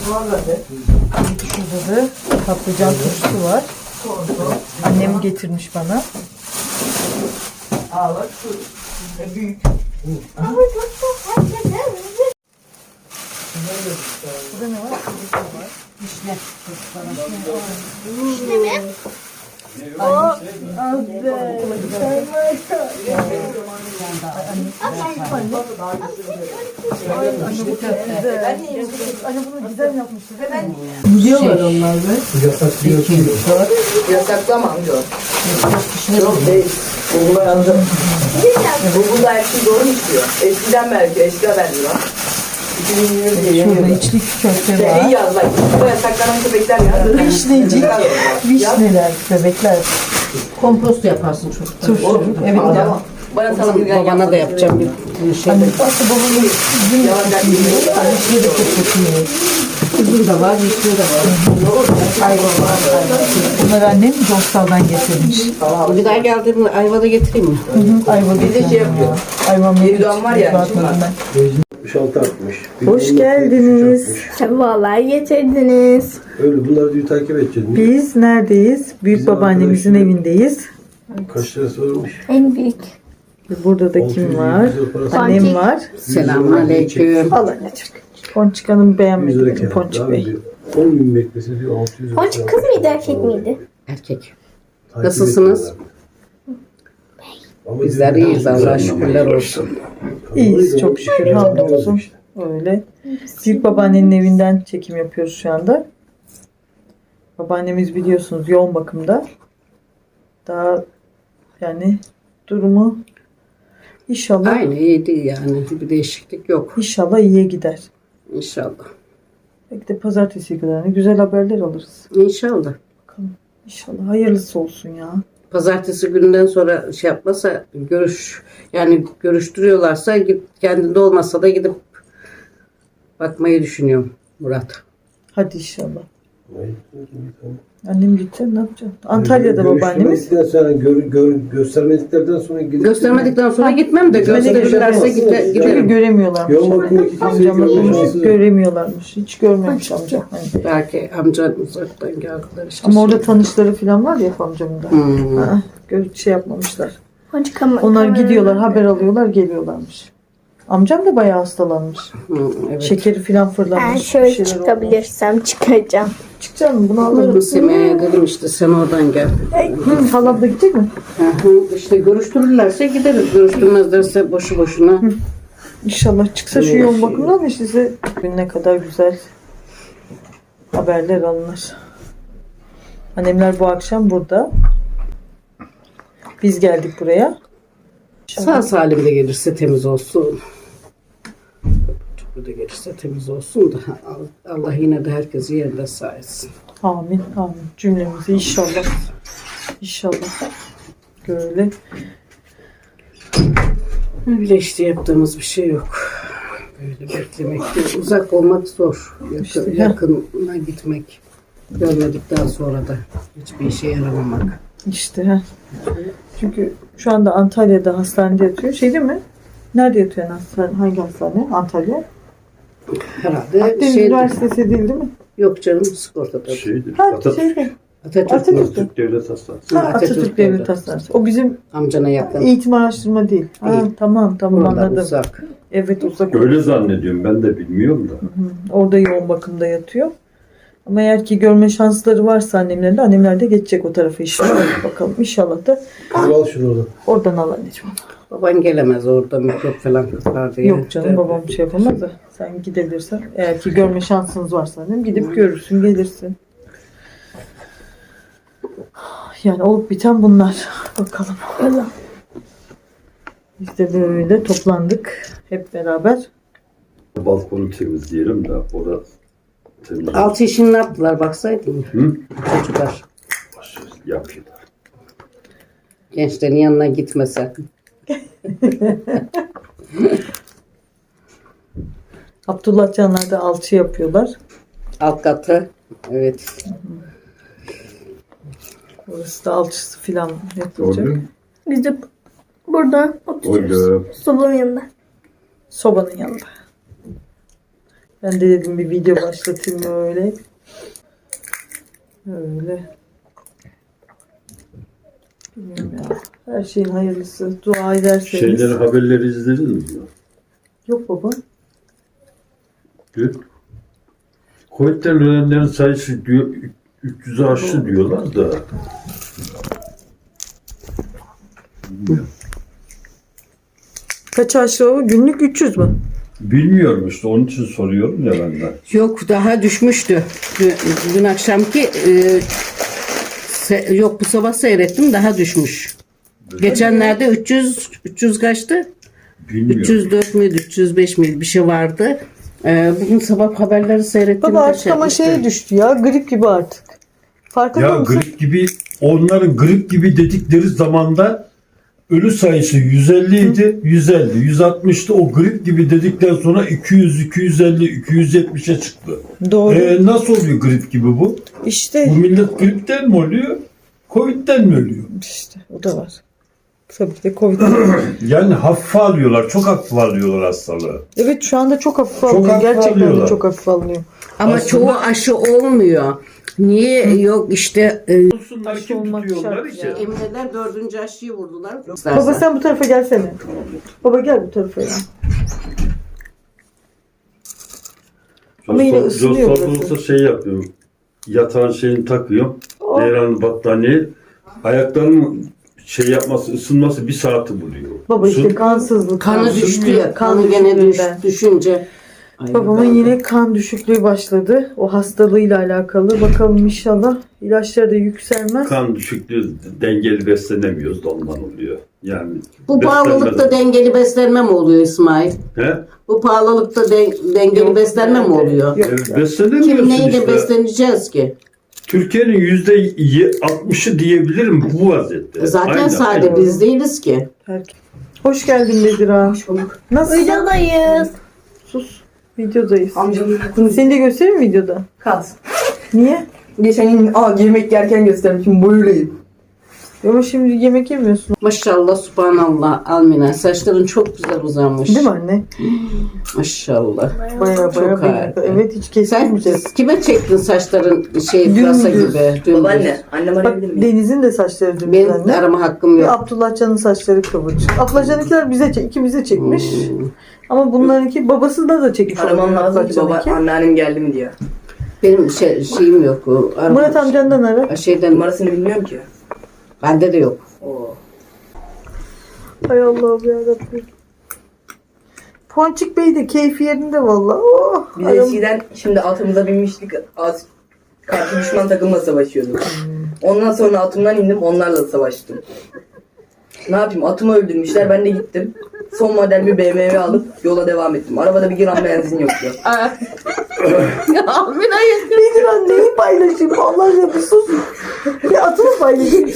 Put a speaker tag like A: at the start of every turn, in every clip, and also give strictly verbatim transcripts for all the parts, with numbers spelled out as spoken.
A: Şurada da patlıcan turşusu var. Annem getirmiş bana.
B: Aa bak şu büyük.
A: Burada ne var?
C: Vişne.
D: Vişne mi?
A: Anne bunu güzel yapmıştı.
B: Yiyorlar onlar be.
C: Yasaklıyorsun.
B: Yasaklama amca. Yok değil. Google'a yazdım. Google'da her şey doğru mu istiyor? Eskiden belki, eski haberdi lan. iki bin yirmi diye
A: Şurada
B: yeniyor.
A: içli köfte
B: Şey
A: var.
B: yaz bak. Bu yasaklanan köpekler yaz.
A: Vişnecik, vişneler, bebekler.
C: Kompost yaparsın çok.
A: Turşu. Evet ya.
B: Bana sana bir
C: Babana da yapacağım bir, bir şey.
A: Anne aslında babamın üzüm vişne de çok çok iyi.
C: Üzüm de var, vişne de var. Ayva var.
A: Bunları annem Dostal'dan getirmiş.
C: Bir daha geldiğimde ayva da getireyim mi?
A: Ayva
B: Bir de şey yapıyor.
A: Ayva
B: Yeridan var ya, şimdi var.
E: altmış altı altmış.
A: Hoş geldiniz.
D: Sefalar getirdiniz.
E: Öyle bunları diyor takip edeceğiz.
A: Biz neredeyiz? Büyük
E: Bizim
A: babaannemizin
E: arkadaşlar-
A: evindeyiz.
E: Kaç lira sormuş?
D: En büyük.
A: Burada da kim var? Annem var.
C: Selamünaleyküm.
A: Al anneciğim. Ponçik Hanım beğenmedi benim Ponçik Bey.
E: on bin beklese diyor altı yüz lira.
D: Ponçik kız mıydı erkek miydi?
C: Erkek.
E: Takip
C: Nasılsınız?
E: ediyorlar. Ama
C: Bizler
E: diyor,
C: iyiyiz, Allah'a şükürler olsun.
A: İyiyiz çok şükür hamdolsun. Öyle. Büyük babaannenin evinden çekim yapıyoruz şu anda. Babaannemiz biliyorsunuz yoğun bakımda. Daha yani durumu inşallah
C: Aynı iyi değil yani. Bir değişiklik yok.
A: inşallah iyiye gider.
C: İnşallah.
A: Belki de pazartesi kadar ne güzel haberler alırız.
C: İnşallah.
A: Bakalım. İnşallah hayırlısı olsun ya.
C: Pazartesi gününden sonra şey yapmasa görüş yani görüştürüyorlarsa git kendinde olmasa da gidip bakmayı düşünüyorum Murat.
A: Hadi inşallah.
E: Hayır.
A: Annem gidecek ne yapacak? Antalya'da babaannemiz.
E: Görüştürmedikten sonra, gör, gör, göstermediklerden sonra gidip...
C: Göstermedikten sonra gitmem de gösterirlerse gide,
A: Çünkü
C: giderim.
A: göremiyorlarmış.
E: Yoğun bakımdaki kimseyi
A: Amcamla
E: görme
A: konuşup
E: şansı yok.
A: göremiyorlarmış. Hiç görmemiş amcam. Hani.
C: Belki amcan uzaktan geldiler işte.
A: Ama orada tanışları falan var ya amcamın da.
C: Hmm.
A: Ha, gör- şey yapmamışlar.
D: Ponçik ama.
A: Onlar gidiyorlar, haber alıyorlar, geliyorlarmış. Amcam da bayağı hastalanmış.
C: Hmm, evet.
A: Şekeri falan fırlamış.
D: Ben
A: bir
D: şöyle
A: şeyler olmuş.
D: çıkabilirsem çıkacağım.
A: Çıkacak mı? Bunu
C: Alırım
A: alırım.
C: Semih'e dedim işte sen oradan gel.
A: Hı, halam da gidecek mi?
C: Hı hı, İşte görüştürürlerse gideriz. Görüştürmezlerse boşu boşuna.
A: İnşallah çıksa şu yoğun bakımdan da size ne kadar güzel haberler alınır. Annemler bu akşam burada. Biz geldik buraya.
C: Sağ salim de gelirse temiz olsun. Çok da gelirse temiz olsun da Allah yine de herkesi yerinde sağ etsin.
A: Amin, amin. Cümlemizi inşallah. İnşallah. Böyle.
C: Öyle işte yaptığımız bir şey yok. Böyle beklemek değil. Uzak olmak zor. Yakın,
A: İşte, heh.
C: yakına gitmek. Görmedikten sonra da hiçbir işe yaramamak.
A: İşte. Heh. Çünkü şu anda Antalya'da hastanede yatıyor. Şey değil mi? Nerede yatıyor yani hastane? Hangi hastane? Antalya.
C: Herhalde
A: Akdeniz
C: şey
A: Üniversitesi değil değil mi?
C: yok canım sigortada.
E: Şeydir.
A: Ha,
E: Atatürk.
A: şeyde.
C: Atatürk,
A: Atatürk.
E: Türk Devlet Hastanesi.
A: Ha,
C: Atatürk
A: Atatürk
C: Devlet
A: Devlet Hastanesi. O bizim
C: amcana yakın.
A: eğitim araştırma değil. Ha,
C: Değil.
A: tamam tamam
C: Oradan
A: anladım.
C: uzak.
A: Evet uzak.
F: Öyle zannediyorum, ben de bilmiyorum da.
A: Orada yoğun bakımda yatıyor. Ama eğer ki görme şansları varsa annemlerin de annemler de geçecek o tarafa inşallah. Bakalım inşallah da
E: Kızım al şunu oradan.
A: oradan al anneciğim.
C: Baban gelemez orada mikrop falan kıtlar diye.
A: Yok canım babam şey yapamaz da sen gidebilirsen eğer ki görme şansınız varsa annem gidip görürsün gelirsin. Yani olup biten bunlar. Bakalım. Biz de böyle toplandık hep beraber.
F: Balkonu temizleyelim de orada temizleyelim.
C: Altı işini ne yaptılar baksaydın.
F: Hı?
C: Çocuklar.
F: Yapıyorlar.
C: Gençlerin yanına gitmese.
A: Abdullah Canlar da alçı yapıyorlar.
C: Alt katı. Evet.
A: Orası da alçısı filan yapılacak.
F: Gördün mü?
D: Biz de burada oturuyoruz.
F: Öyle.
D: Sobanın yanında.
A: Sobanın yanında. Ben de dedim bir video başlatayım öyle. Öyle. Bilmiyorum ya. Her şeyin hayırlısı. Dua ederseniz.
F: Şeyleri, haberleri izlediniz mi?
A: Yok baba.
F: Dün Covid'den ölenlerin sayısı diyor üç yüzü aştı diyorlar da.
A: Kaç aşı o? Günlük üç yüz mü?
F: Bilmiyorum işte onun için soruyorum ya ben de.
C: Yok daha düşmüştü. Dün, dün akşamki e, se- yok bu sabah seyrettim daha düşmüş. Geçenlerde üç yüz üç yüz kaçtı?
F: Bilmiyorum.
C: üç yüz dört müydü üç yüz beş miydi bir şey vardı. E, bugün sabah haberleri seyrettim.
A: Baba artık ama şeye düştü ya. Grip gibi artık. Farkında
F: Ya
A: mısın?
F: grip gibi, onların grip gibi dedikleri zamanda ölü sayısı yüz elli idi, yüz elli, yüz altmıştı. O grip gibi dedikten sonra iki yüz, iki yüz elli, iki yüz yetmişe çıktı.
A: Doğru.
F: Ee, nasıl oluyor grip gibi bu?
A: İşte.
F: Bu millet gripten mi oluyor? Covid'den mi ölüyor?
A: İşte o da var. Tabii ki de Covid.
F: Yani hafife alıyorlar, çok hafife alıyorlar hastalığı.
A: Evet şu anda çok hafif
F: Çok
A: alınıyor.
F: hafif
A: Gerçekten de
F: alıyorlar.
A: çok hafif alınıyor.
C: Ama
F: Aslında-
C: çoğu aşı olmuyor. Niye yok işte e,
F: Olsunlar
A: Aşı
F: kim
A: olmak
F: tutuyorlar
A: şart
F: ki?
A: ya.
C: Emreler dördüncü aşıyı vurdular.
A: Baba sen bu tarafa gelsene. Baba gel bu tarafa ya. Ama yine ısınıyor
F: Jos
A: burası.
F: olursa şey yapıyorum. Yatağın şeyini takıyorum.
A: Oh.
F: Devranın battaniye. Ayaklarımın şey yapması, ısınması bir saati buluyor.
A: Baba işte
F: Isın-
A: kansızlık.
C: Kanı
A: Kan
C: düştü ya.
A: Kan
C: Kanı gene düş,
A: düşüklüğünden.
C: düşünce. Ay,
A: Babamın
C: ben-
A: yine kan düşüklüğü başladı. O hastalığıyla alakalı. Bakalım inşallah ilaçları da yükselmez.
F: Kan düşüklüğü, dengeli beslenemiyoruz da ondan oluyor. Yani
C: Bu pahalılıkta
F: beslenmeden-
C: dengeli beslenme mi oluyor İsmail?
F: He?
C: Bu pahalılıkta den- dengeli
A: Yok,
C: beslenme mi
A: yani.
C: oluyor?
A: Yok.
F: E, beslenemiyorsun
C: Kim neyle
F: işte.
C: besleneceğiz ki?
F: Türkiye'nin yüzde altmışı diyebilirim bu vaziyette.
C: Zaten
F: Aynen,
C: sadece
F: aynen.
C: biz değiliz ki.
A: Herkes. Hoş geldin Bedira.
B: Hoş bulduk.
A: Nasılsın?
D: Videodayız.
A: Sus. Videodayız.
B: Amcamın yakını
A: Seni de göstereyim mi videoda?
B: kalsın.
A: Niye?
B: Geçen gün aa, yemek yerken göstermişim böyleyim.
A: Ama şimdi yemek yemiyorsun.
C: Maşallah subhanallah Almina. Saçların çok güzel uzanmış.
A: Değil mi anne?
C: Maşallah.
A: Baya
C: Çok
A: baya baya.
C: harika.
A: Evet hiç
C: Sen
A: kesilmeyeceğiz.
C: kime çektin saçların şey pırasa
A: Dümdüz.
C: gibi? Dümdüz.
B: Babaanne, annem
A: Bak
B: arayabilir miyim?
A: Deniz'in de saçları dümdüz
C: Benim
A: anne.
C: arama hakkım
A: Ve
C: yok.
A: Abdullah Can'ın saçları kıvırcık. Abdullah Can'ınkiler bize çek, ikimize çekmiş.
C: Hmm.
A: Ama bunlarınki babasında da çekmiş.
B: Aramam
A: olabilir
B: lazım ki
A: Abdullah
B: baba
A: Can'ınki.
B: anneannem geldi mi diye.
C: Benim şey, şeyim yok. o arama-
A: Murat amcandan ara.
C: Şeyden,
B: Numarasını bilmiyorum ki.
C: bende de yok.
B: Oo.
A: Hay Allah'ım yarabbim. Ponçik Bey de keyfi yerinde valla. Oh,
B: Biz
A: aram-
B: eskiden şimdi atımıza binmiştik. Az karşı düşman takımla savaşıyorduk. Ondan sonra atımdan indim onlarla savaştım. Ne yapayım atımı öldürmüşler ben de gittim. Son model bir B M W alıp yola devam ettim. Arabada bir gram benzin yoktu.
C: Almina'yı.
A: Nedir lan neyi paylaşayım? Allah aşkına bir sus. Bir atını paylaşayım.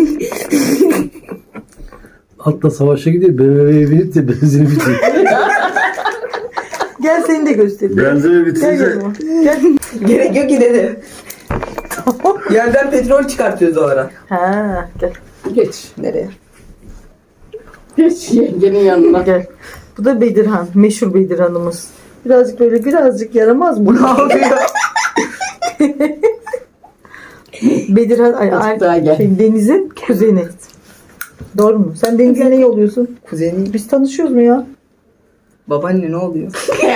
E: Altta savaşa gidiyor. B M W'ye binip de benzini bitiyor.
A: Gel seni de göstereyim.
F: Benzeri
A: Gel
F: bitince
A: yanıma. Gel.
B: Gerek yok ki dedi. Yerden petrol çıkartıyoruz o ara.
A: Ha, gel.
C: Geç.
A: Nereye?
C: Geç yengenin yanına.
A: Gel. Bu da Bedirhan. Meşhur Bedirhan'ımız. Birazcık böyle birazcık yaramaz mı? Ne yapıyor? Bedirhan ay, ay,
C: Daha gel.
A: şey, Deniz'in kuzeni. Doğru mu? Sen Deniz'e ne oluyorsun?
B: Kuzeni.
A: Biz tanışıyoruz mu ya?
B: Babaanne ne oluyor?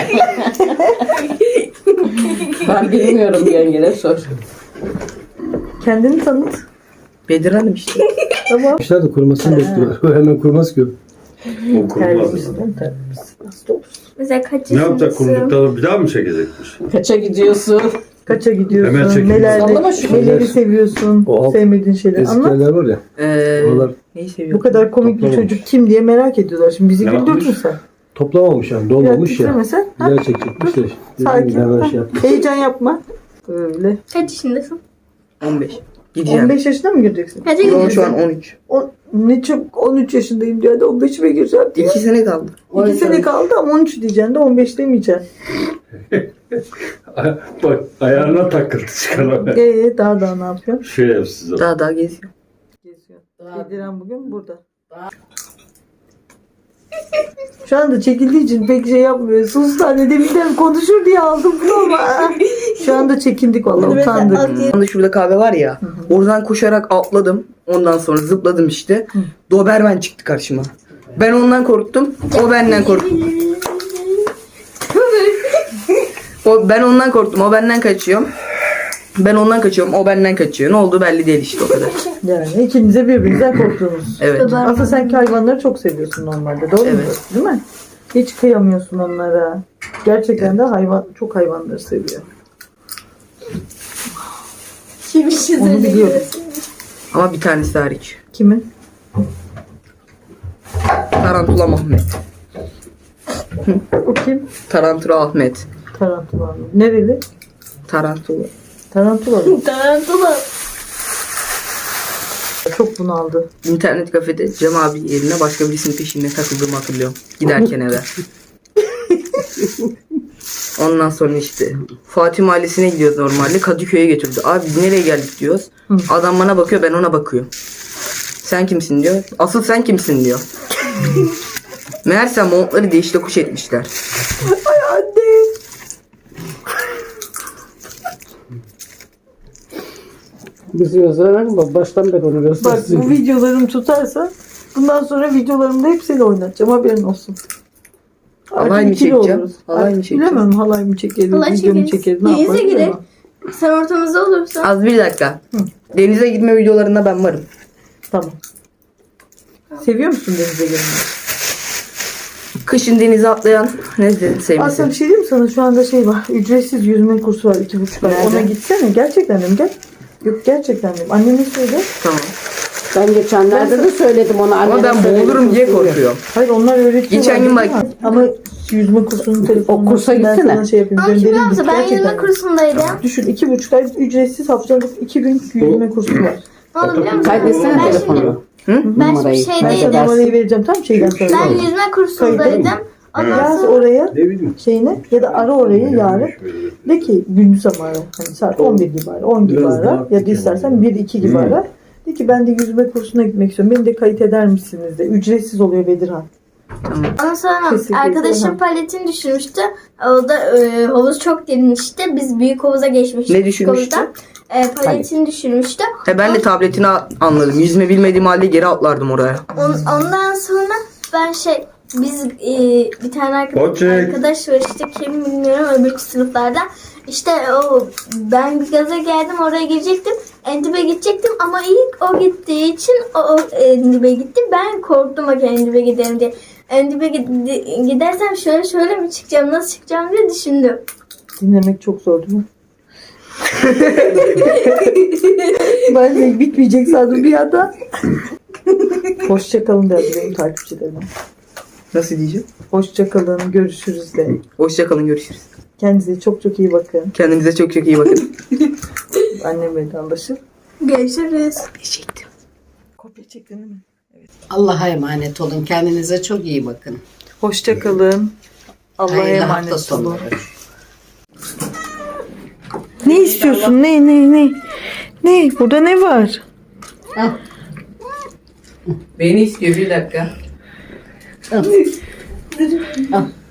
C: Ben bilmiyorum yengene sor.
A: Kendini tanıt.
B: Bedir Hanım işte.
A: Tamam.
E: İşler de kurumasını bekliyor. O hemen kurmaz ki. o.
F: o kurulmaz.
A: Terbiyesiz değil mi? Terbiyesiz. Hasta olursun.
D: Mesela kaç
F: Ne yapacak
D: yaşındasın?
F: kurulduktan bir daha mı çekecekmiş?
C: Kaça gidiyorsun?
A: Kaça
F: Hemen
A: gidiyorsun?
F: çekin.
A: Neler,
C: Sallama şu
A: neleri
E: şeyler.
A: seviyorsun?
E: O alt-
A: Sevmediğin şeyler.
E: Eski
A: Anlat.
E: yerler var ya.
B: Eee
E: Oralar
B: neyi seviyor?
A: Bu kadar komik bir
E: Toplamamış.
A: çocuk kim diye merak ediyorlar. Şimdi bizi
F: Ne
A: güldürdün
F: yapmış?
A: sen.
E: toplamamış yani.
A: Biraz
E: Dolmamış ya.
A: titremesen. Ha?
E: Yer çekecekmiş de. Dediğim
A: Sakin.
E: gibi hemen
A: Ha.
E: şey yaptı.
A: Heyecan yapma. Öyle.
D: Kaç yaşındasın?
B: on beş. Gideceğim.
A: on beş yaşına mı gireceksin?
D: Kaça
B: Yo,
D: gidiyorsun?
B: şu an on üç.
A: O, ne çok on üç yaşındayım diyor. Hadi on beşime gireceğim diye.
B: İki sene kaldı.
A: İki sene kaldı ama on üç diyeceksin de on beş demeyeceksin.
F: Bak ayağına takıldı çıkana.
A: Eee daha daha ne yapıyorsun?
F: Şey yap size.
B: Daha daha geziyor.
A: Geziyor. Bediren bugün burada. Şu anda çekildiği için pek şey yapmıyor. Sus anne, deminden konuşur diye aldım bunu ama. Şu anda çekindik vallahi, utandık.
B: Anda şurada kahve var ya. Oradan koşarak atladım. Ondan sonra zıpladım işte. Doberman çıktı karşıma. Ben ondan korktum. O benden korktu. O, ben ondan korktum. O benden kaçıyor. Ben ondan kaçıyorum. O benden kaçıyor. Ne oldu belli değil işte, o kadar.
A: Yani ikinize birbirinizden korktunuz.
B: Evet.
A: Aslında sen hayvanları çok seviyorsun normalde. Doğru mu?
B: Evet.
A: Değil mi? Hiç kıyamıyorsun onlara. Gerçekten de hayvan, çok hayvanları seviyor.
D: Şimdi şey
A: Onu biliyorum.
B: Ama bir tanesi hariç.
A: Kimin?
B: Tarantula Ahmet.
A: O kim?
B: Tarantula Ahmet.
A: Tarantula mı? Nereli?
B: Tarantula.
A: Tarantula mı?
D: Tarantula.
A: Çok bunaldı.
B: İnternet kafede Cem abi yerine başka birisinin peşinde takıldığımı hatırlıyorum. Giderken eve. Ondan sonra işte Fatih Mahallesi'ne gidiyoruz normalde. Kadıköy'e götürdü. Abi biz nereye geldik diyoruz.
A: Hı.
B: Adam bana bakıyor, ben ona bakıyorum. Sen kimsin diyor. Asıl sen kimsin diyor. Meğerse montları değiş tokuş etmişler.
A: Ay anne.
C: Bizi gösteren bak, baştan beri onu
A: Bak
C: göstersin.
A: bu videolarım tutarsa bundan sonra videolarımda hepsini oynatacağım, haberin olsun. Artık
B: Halay mı
A: ikili
B: çekeceğim?
A: oluruz.
B: Halay mı
A: Artık
B: çekeceğim?
A: Bilemem, halay mı çekeriz,
D: Halay
A: video mu
D: çekeriz.
A: çekeriz, ne
D: Denize
A: yaparız
D: gidelim.
A: bilemem.
D: Sen ortamızda olursan.
B: Az bir dakika. Denize gitme videolarında ben varım.
A: Tamam. Seviyor musun denize girmeyi?
B: Kışın denize atlayan ne
A: Aslında
B: sevmesin.
A: bir şey diyeyim mi sana? Şu anda şey var. Ücretsiz yüzme kursu var. iki buçuk ay.
B: Nerede?
A: Ona gitsene. Gerçekten dedim. Gel. Yok gerçekten dedim. Anneme söyle.
B: Tamam.
C: Ben geçenlerde de söyledim ona.
B: Ama
C: annene
B: ben
C: söyledim,
B: boğulurum diye
C: korkuyor.
B: korkuyorum.
A: Hayır, onlar öğretiyorlar.
B: Geçen gün
A: değil
B: bak-
A: mi? Ama yüzme kursunun telefonunu.
C: O kursa
A: ben
C: gitsene.
A: sana şey yapayım.
D: Ama kim
A: Göndereyim.
D: biliyor musun?
A: Git.
D: Ben
A: Gerçekten.
D: yüzme kursundaydım.
A: Düşün, iki buçuk ay ücretsiz haftalık iki gün yüzme kursu var.
D: Ne oldu biliyor musun?
C: Kaydetsene
D: Ben şimdi,
C: telefonu.
B: Hı?
D: ben
C: Numarayı
D: şimdi
A: Ben sana
D: şeydeydim.
A: numarayı vereceğim. Tam şeyden sonra.
D: Ben yüzme kursundaydım. Ondan
A: Yaz
D: sonra
A: oraya
E: Ne bileyim.
A: şeyine ya da ara orayı yarın. De ki gündüz ama ara. Hani saat on bir gibi ara, on gibi
E: Biraz
A: ara
E: daha
A: ya da istersen bir iki gibi
E: Hı.
A: ara. De ki ben de yüzme kursuna gitmek istiyorum. Beni de kayıt eder misiniz de. Ücretsiz oluyor Bedirhan.
D: ondan sonra
A: Kesinlikle.
D: arkadaşım
A: Ha.
D: paletini düşürmüştü. O da e, havuz çok derinmişti. Biz büyük havuza geçmiştik.
B: Ne düşürmüştü?
D: Havuzda. E, paletini düşürmüştü.
B: He, ben de tabletini a- anladım. Yüzme bilmediğim halde geri atlardım oraya.
D: On- ondan sonra ben şey biz e, bir tane arkadaş,
F: Koçek.
D: arkadaş var işte, kim bilmiyorum, öbür sınıflardan. İşte o, ben bir gaza geldim, oraya girecektim. Endib'e gidecektim ama ilk o gittiği için o, o Endib'e gitti. Ben korktum bak Endib'e giderim diye. Endib'e gid- gidersem şöyle şöyle mi çıkacağım, nasıl çıkacağım diye düşündüm.
A: Dinlemek çok zor değil mi? Ben de bitmeyecek sandım bir anda. Hoşçakalın derdi benim takipçilerime.
B: Nasıl diyeceğim?
A: Hoşçakalın, görüşürüz de.
B: Hoşçakalın, görüşürüz.
A: Kendinize çok çok iyi bakın.
B: Kendinize çok çok iyi bakın.
A: Annem vedalaşır.
D: Görüşürüz.
B: Teşekkür.
A: Kopya çektin değil mi?
C: Allah'a emanet olun. Kendinize çok iyi bakın.
A: Hoşçakalın. Allah'a
C: Hayırlı hafta
A: emanet olun.
C: sonları.
A: Ne istiyorsun? Ne ne ne? Ne? Burada ne var?
C: Al.
B: Beni istiyor, bir dakika.
C: Al. Al.